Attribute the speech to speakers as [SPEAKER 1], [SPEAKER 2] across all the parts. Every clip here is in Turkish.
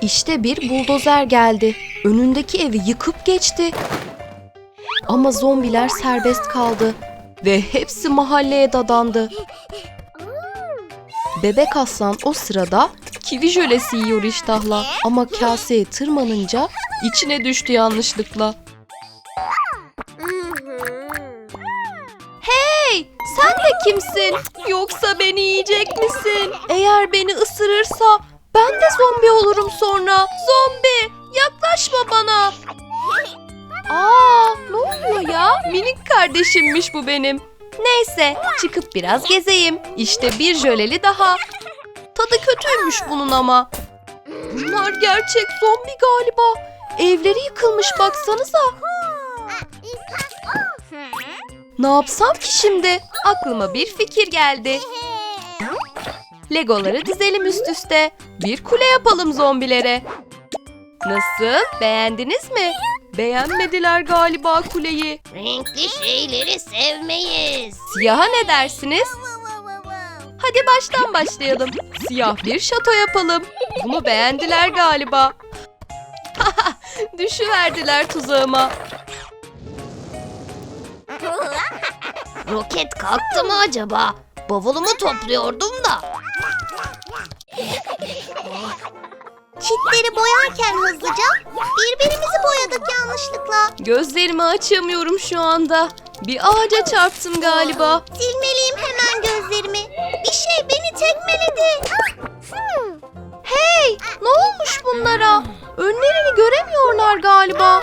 [SPEAKER 1] İşte bir buldozer geldi. Önündeki evi yıkıp geçti. Ama zombiler serbest kaldı ve hepsi mahalleye dadandı. Bebek aslan o sırada kivi jölesi yiyor iştahla ama kaseye tırmanınca içine düştü yanlışlıkla. Hey, sen de kimsin? Yoksa beni yiyecek misin? Eğer beni ısırırsa ben de zombi olurum sonra. Zombi, yaklaşma bana. Aa, ne oluyor ya? Minik kardeşimmiş bu benim. Neyse, çıkıp biraz gezeyim. İşte bir jöleli daha. Tadı kötüymüş bunun ama. Bunlar gerçek zombi galiba. Evleri yıkılmış baksanıza. Ne yapsam ki şimdi? Aklıma bir fikir geldi. Legoları dizelim üst üste. Bir kule yapalım zombilere. Nasıl? Beğendiniz mi? Beğenmediler galiba kuleyi.
[SPEAKER 2] Renkli şeyleri sevmeyiz.
[SPEAKER 1] Siyaha ne dersiniz? Hadi baştan başlayalım. Siyah bir şato yapalım. Bunu beğendiler galiba. Düşüverdiler tuzağıma.
[SPEAKER 2] Roket kalktı mı acaba? Bavulumu topluyordum da. Çitleri boyarken hızlıca birbirimizi boyadık yanlışlıkla.
[SPEAKER 1] Gözlerimi açamıyorum şu anda. Bir ağaca çarptım galiba.
[SPEAKER 2] Silmeliyim hemen gözlerimi. Bir şey beni tekmeledi.
[SPEAKER 1] Hey, ne olmuş bunlara? Önlerini göremiyorlar galiba.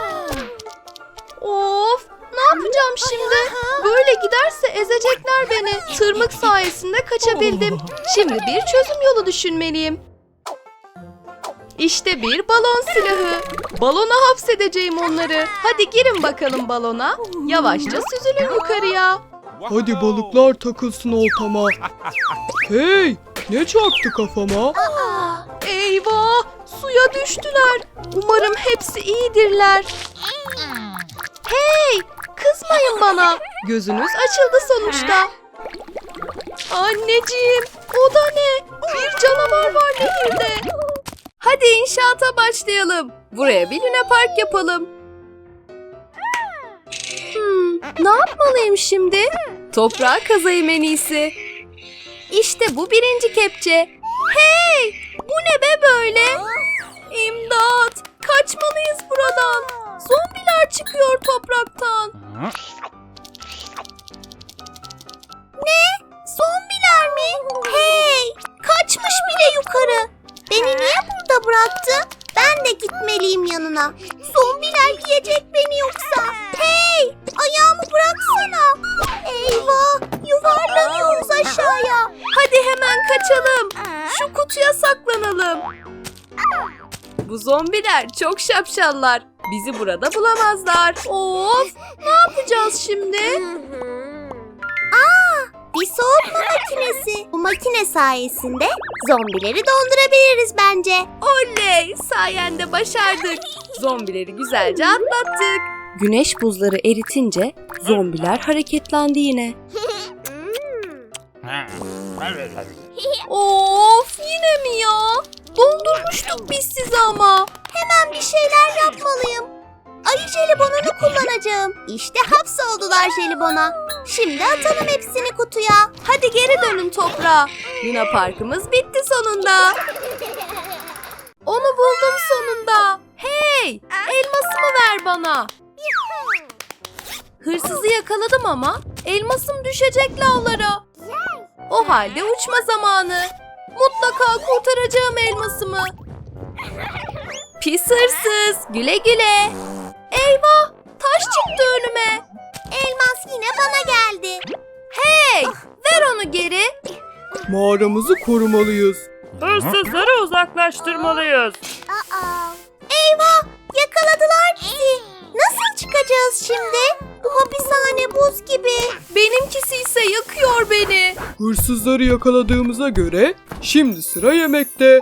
[SPEAKER 1] Of, ne yapacağım şimdi? Böyle giderse ezecekler beni. Tırmık sayesinde kaçabildim. Şimdi bir çözüm yolu düşünmeliyim. İşte bir balon silahı. Balona hapsedeceğim onları. Hadi girin bakalım balona. Yavaşça süzülün yukarıya.
[SPEAKER 3] Hadi balıklar takılsın oltama. Hey, ne çarptı kafama?
[SPEAKER 1] Eyvah, suya düştüler. Umarım hepsi iyidirler. Hey, kızmayın bana. Gözünüz açıldı sonuçta. Anneciğim, o da ne? Bir canavar var nehirde. Hadi inşaata başlayalım. Buraya bir lunapark yapalım. Ne yapmalıyım şimdi? Toprağı kazayım en iyisi. İşte bu birinci kepçe. Hey! Bu ne be böyle? İmdat! Kaçmalıyız buradan. Zombiler çıkıyor topraktan.
[SPEAKER 2] Ne? Zombiler mi? Hey! Kaçmış bile yukarı. Beni niye burada bıraktı? Ben de gitmeliyim yanına. Zombiler yiyecek beni yoksa. Hey! Ayağımı bıraksana. Eyvah! Yuvarlanıyoruz aşağıya.
[SPEAKER 1] Hadi hemen kaçalım. Şu kutuya saklanalım. Bu zombiler çok şapşallar. Bizi burada bulamazlar. Of! Ne yapacağız şimdi?
[SPEAKER 2] Bir soğutma makinesi. Bu makine sayesinde zombileri dondurabiliriz bence.
[SPEAKER 1] Oley! Sayende başardık. Zombileri güzelce atlattık. Güneş buzları eritince zombiler hareketlendi yine. Of! Yine mi ya? Dondurmuştuk biz sizi ama.
[SPEAKER 2] Hemen bir şeyler yapmalıyım. Ayı jelibonunu kullanacağım. İşte hapsoldular jelibona. Şimdi atalım hepsini kutuya.
[SPEAKER 1] Hadi geri dönün toprağa. Luna Parkımız bitti sonunda. Onu buldum sonunda. Hey! Elmasımı ver bana. Hırsızı yakaladım ama elmasım düşecek lavlara. O halde uçma zamanı. Mutlaka kurtaracağım elmasımı. Pis hırsız, güle güle. Eyvah! Taş çıktı önüme.
[SPEAKER 2] Elmas yine bana geldi.
[SPEAKER 1] Hey! Ver onu geri.
[SPEAKER 3] Mağaramızı korumalıyız.
[SPEAKER 4] Hırsızları uzaklaştırmalıyız.
[SPEAKER 2] Eyvah! Yakaladılar bizi. Nasıl çıkacağız şimdi? Bu hapishane buz gibi.
[SPEAKER 1] Benimkisi ise yakıyor beni.
[SPEAKER 3] Hırsızları yakaladığımıza göre şimdi sıra yemekte.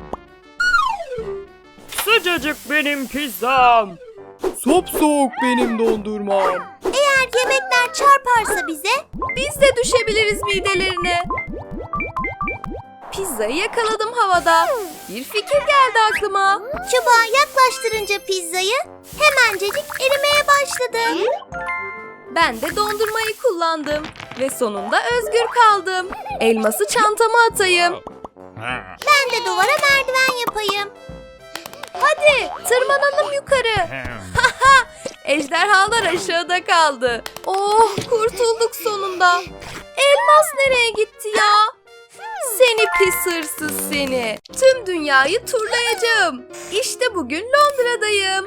[SPEAKER 4] Sıcacık benim pizzam.
[SPEAKER 3] Sopsoğuk benim dondurmam.
[SPEAKER 2] Eğer yemekler çarparsa bize
[SPEAKER 1] Biz de düşebiliriz midelerine. Pizzayı yakaladım havada. Bir fikir geldi aklıma.
[SPEAKER 2] Çubuğa yaklaştırınca pizzayı hemencecik erimeye başladı.
[SPEAKER 1] Ben de dondurmayı kullandım ve sonunda özgür kaldım. Elması çantama atayım.
[SPEAKER 2] Ben de duvara merdiven yapayım.
[SPEAKER 1] Hadi tırmanalım yukarı. Ejderhalar aşağıda kaldı. Oh, kurtulduk sonunda. Elmas nereye gitti ya? Seni pis hırsız seni. Tüm dünyayı turlayacağım. İşte bugün Londra'dayım.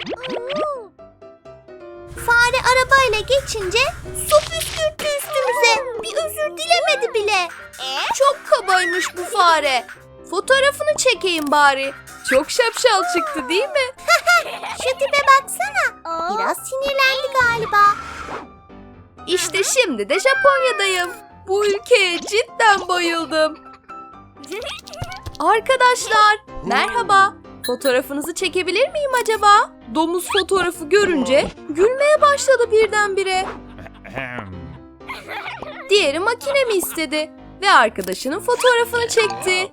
[SPEAKER 2] Fare arabayla geçince su püskürttü üstümüze. Bir özür dilemedi bile.
[SPEAKER 1] Çok kabaymış bu fare. Fotoğrafını çekeyim bari. Çok şapşal çıktı değil mi?
[SPEAKER 2] Şu tipe baksana. Biraz sinirlendi galiba.
[SPEAKER 1] İşte şimdi de Japonya'dayım. Bu ülkeye cidden bayıldım. Arkadaşlar, merhaba. Fotoğrafınızı çekebilir miyim acaba? Domuz fotoğrafı görünce gülmeye başladı birdenbire. Diğeri makinemi istedi ve arkadaşının fotoğrafını çekti.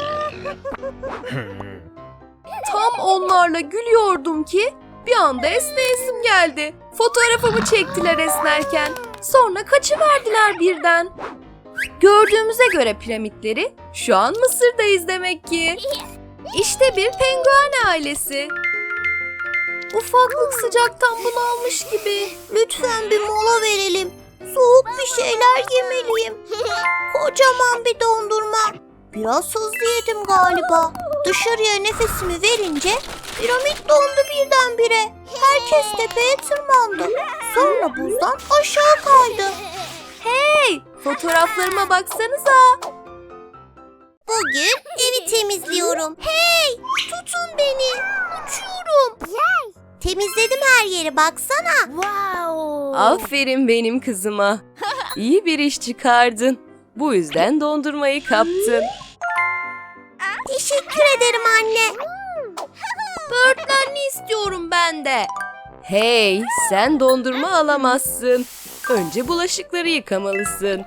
[SPEAKER 1] Tam onlarla gülüyordum ki bir anda esneyesim geldi. Fotoğrafımı çektiler esnerken. Sonra kaçıverdiler birden. Gördüğümüze göre piramitleri şu an Mısır'dayız demek ki. İşte bir penguen ailesi. Ufaklık sıcaktan bunalmış gibi.
[SPEAKER 2] Lütfen bir mola verelim. Soğuk bir şeyler yemeliyim. Kocaman bir dondurma. Biraz hızlı yedim galiba. Dışarıya nefesimi verince piramit dondu birdenbire. Herkes tepeye tırmandı. Sonra buzdan aşağı kaydı.
[SPEAKER 1] Hey, fotoğraflarıma baksanıza.
[SPEAKER 2] Bugün evi temizliyorum. Hey, tutun beni. Uçuyorum. Temizledim her yeri, baksana.
[SPEAKER 1] Aferin benim kızıma. İyi bir iş çıkardın. Bu yüzden dondurmayı kaptın.
[SPEAKER 2] Teşekkür ederim anne.
[SPEAKER 1] Böğürtlenli istiyorum ben de. Hey, sen dondurma alamazsın. Önce bulaşıkları yıkamalısın.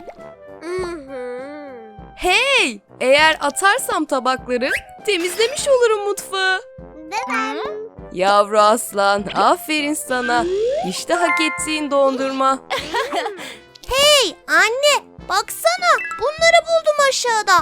[SPEAKER 1] Hey, eğer atarsam tabakları temizlemiş olurum mutfağı. Yavru aslan, aferin sana. İşte hak ettiğin dondurma.
[SPEAKER 2] Hey anne, baksana, bunları buldum aşağıda.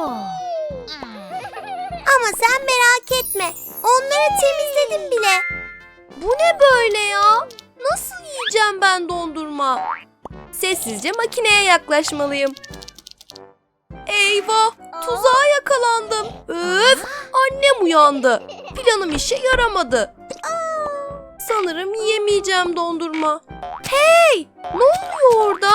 [SPEAKER 2] Ama sen merak etme, onları temizledim bile.
[SPEAKER 1] Bu ne böyle ya? Nasıl yiyeceğim ben dondurma? Sessizce makineye yaklaşmalıyım. Eyvah! Tuzağa yakalandım. Öf! Annem uyandı. Planım işe yaramadı. Sanırım yiyemeyeceğim dondurma. Hey! Ne oluyor orada?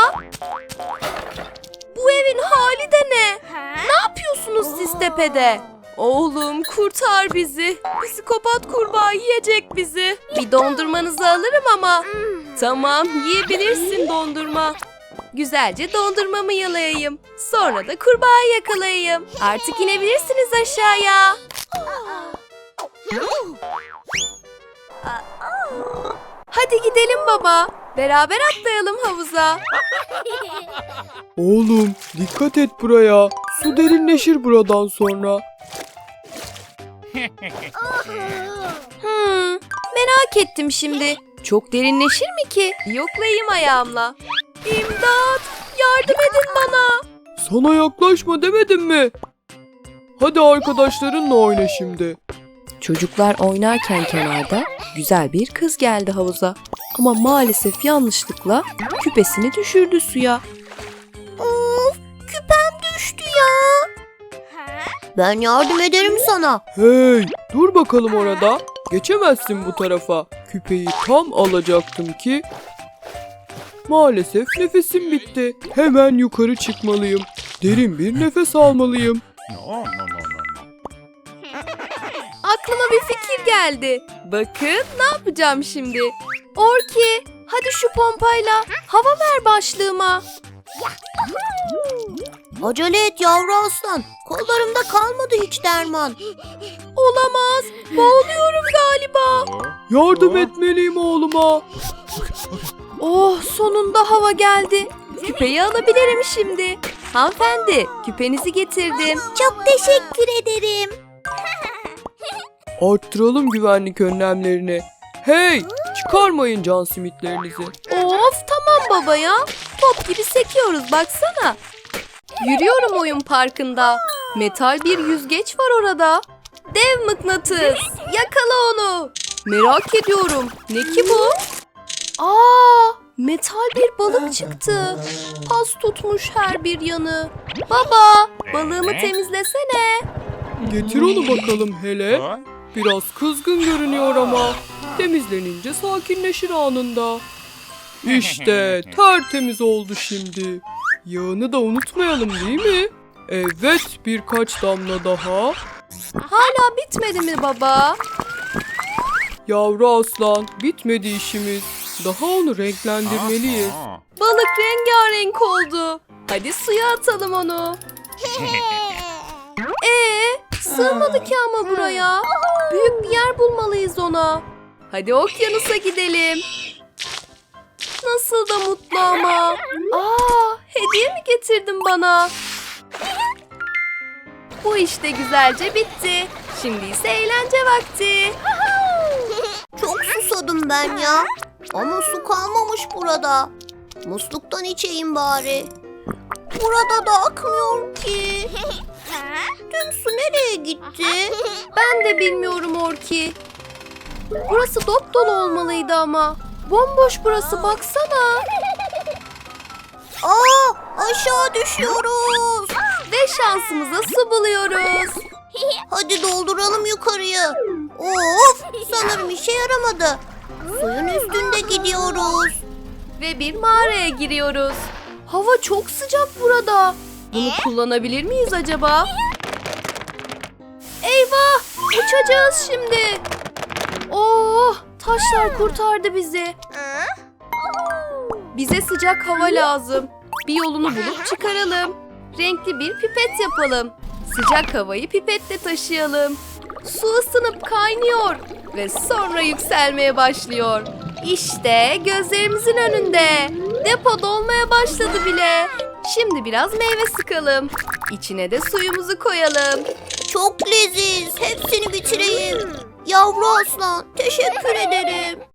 [SPEAKER 1] Bu evin hali de ne? Ne yapıyorsunuz siz tepede? Oğlum kurtar bizi. Psikopat kurbağa yiyecek bizi. Bir dondurmanızı alırım ama. Tamam, yiyebilirsin dondurma. Güzelce dondurmamı yalayayım. Sonra da kurbağayı yakalayayım. Artık inebilirsiniz aşağıya. Hadi gidelim baba. Beraber atlayalım havuza.
[SPEAKER 3] Oğlum dikkat et buraya. Su derinleşir buradan sonra.
[SPEAKER 1] Merak ettim şimdi. Çok derinleşir mi ki? Yoklayayım ayağımla. İmdat! Yardım edin bana.
[SPEAKER 3] Sana yaklaşma demedim mi? Hadi arkadaşlarınla oyna şimdi.
[SPEAKER 1] Çocuklar oynarken kenarda güzel bir kız geldi havuza. Ama maalesef yanlışlıkla küpesini düşürdü suya.
[SPEAKER 2] Of, küpem düştü ya. Ben yardım ederim sana.
[SPEAKER 3] Hey, dur bakalım orada. Geçemezsin bu tarafa. Küpeyi tam alacaktım ki. Maalesef nefesim bitti. Hemen yukarı çıkmalıyım. Derin bir nefes almalıyım.
[SPEAKER 1] Aklıma bir fikir geldi. Bakın ne yapacağım şimdi. Orki, hadi şu pompayla hava ver başlığıma.
[SPEAKER 2] Acele et yavru aslan. Kollarımda kalmadı hiç derman.
[SPEAKER 1] Olamaz, boğuluyorum galiba.
[SPEAKER 3] Yardım etmeliyim oğluma.
[SPEAKER 1] Oh, sonunda hava geldi. Küpeyi alabilirim şimdi. Hanımefendi, küpenizi getirdim.
[SPEAKER 2] Çok teşekkür ederim.
[SPEAKER 3] Arttıralım güvenlik önlemlerini. Hey, çıkarmayın can simitlerinizi.
[SPEAKER 1] Of tamam baba ya. Top gibi sekiyoruz baksana. Yürüyorum oyun parkında. Metal bir yüzgeç var orada. Dev mıknatıs. Yakala onu. Merak ediyorum. Ne ki bu? Metal bir balık çıktı. Pas tutmuş her bir yanı. Baba, balığımı temizlesene.
[SPEAKER 3] Getir onu bakalım hele. Biraz kızgın görünüyor ama temizlenince sakinleşir anında. İşte tertemiz oldu şimdi. Yağını da unutmayalım değil mi? Evet, birkaç damla daha.
[SPEAKER 1] Hala bitmedi mi baba?
[SPEAKER 3] Yavru aslan, bitmedi işimiz. Daha onu renklendirmeliyiz.
[SPEAKER 1] Balık rengarenk oldu. Hadi suya atalım onu. Sığmadı ki ama buraya. Büyük bir yer bulmalıyız ona. Hadi okyanusa gidelim. Nasıl da mutlu ama. Hediye mi getirdin bana? Bu işte güzelce bitti. Şimdi ise eğlence vakti.
[SPEAKER 2] Çok susadım ben ya. Ama su kalmamış burada. Musluktan içeyim bari. Burada da akmıyor ki. Tüm su nereye gitti?
[SPEAKER 1] Ben de bilmiyorum Orki. Burası dop dolu olmalıydı ama. Bomboş burası baksana.
[SPEAKER 2] Aşağı düşüyoruz.
[SPEAKER 1] Ve şansımıza su buluyoruz.
[SPEAKER 2] Hadi dolduralım yukarıyı. Of, sanırım işe yaramadı. Suyun üstünde gidiyoruz.
[SPEAKER 1] Ve bir mağaraya giriyoruz. Hava çok sıcak burada. Bunu kullanabilir miyiz acaba? Eyvah! Uçacağız şimdi. Oh! Taşlar kurtardı bizi. Bize sıcak hava lazım. Bir yolunu bulup çıkaralım. Renkli bir pipet yapalım. Sıcak havayı pipetle taşıyalım. Su ısınıp kaynıyor ve sonra yükselmeye başlıyor. İşte gözlerimizin önünde. Depo dolmaya başladı bile. Şimdi biraz meyve sıkalım. İçine de suyumuzu koyalım.
[SPEAKER 2] Çok leziz. Hepsini bitireyim. Yavru aslan, teşekkür ederim.